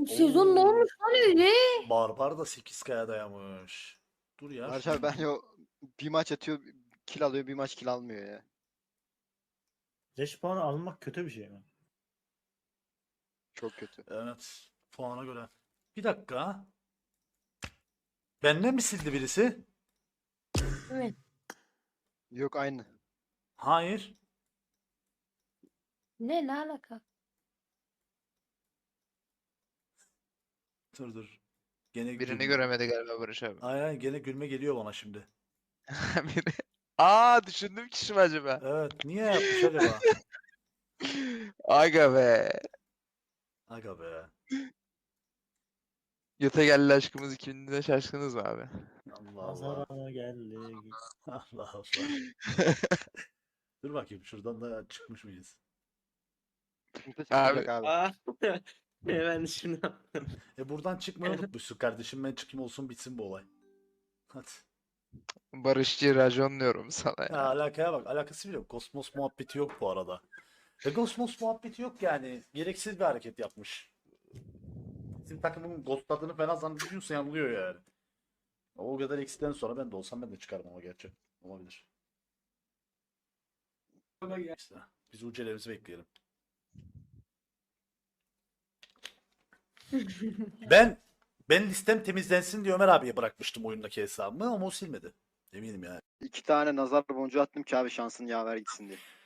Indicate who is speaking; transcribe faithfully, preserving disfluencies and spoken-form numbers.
Speaker 1: Sezon ne
Speaker 2: Oo.
Speaker 1: olmuş lan öyle?
Speaker 2: Barbar da sekiz K'ya dayamış. Dur ya.
Speaker 3: Barış
Speaker 2: şunu-
Speaker 3: abi bence o bir maç atıyor, kill alıyor, bir maç kill almıyor ya.
Speaker 4: Leş puanı almak kötü bir şey mi?
Speaker 3: Çok kötü.
Speaker 2: Evet. Puana göre. Bir dakika. Benden mi sildi birisi?
Speaker 1: Evet.
Speaker 3: Yok aynı.
Speaker 2: Hayır.
Speaker 1: Ne ne alaka?
Speaker 2: Dur dur. Gene
Speaker 5: Birini
Speaker 2: gülme.
Speaker 5: göremedi galiba Barış abi.
Speaker 2: Aynen aynen, gene gülme geliyor bana şimdi.
Speaker 5: Biri. Aa düşündüm kişi mi acaba?
Speaker 2: Evet. Niye yapmış acaba?
Speaker 5: Aga be.
Speaker 2: Aga be.
Speaker 5: Yata geldi aşkımız ikimizde şaşkınız mı abi?
Speaker 2: Allah Allah.
Speaker 4: Nazara geldi.
Speaker 2: Allah Allah. Dur bakayım şuradan da çıkmış mıyız?
Speaker 3: Sıkıntı
Speaker 5: Abi-
Speaker 3: çıkacak abi.
Speaker 6: Aa. Ben şimdi
Speaker 2: E buradan çıkmayı unutmuşsun kardeşim. Ben çıkayım olsun bitsin bu olay. Hadi.
Speaker 5: Barışçı racon diyorum sana
Speaker 2: Ya
Speaker 5: ya.
Speaker 2: alakaya bak. Alakası bile yok. Kosmos muhabbeti yok bu arada. Ve Kosmos muhabbeti yok yani. Gereksiz bir hareket yapmış. Bizim takımın ghostladığını falan zannediyorsa yanılıyor yani. O kadar eksiden sonra ben de olsam ben de çıkarım ama gerçi. Olabilir. İşte biz ucelerimizi bekleyelim. Ben ben listem temizlensin diye Ömer abiye bırakmıştım oyundaki hesabımı ama o silmedi. Eminim yani.
Speaker 3: İki tane nazar boncuğu attım ki abi şansın yaver gitsin diye.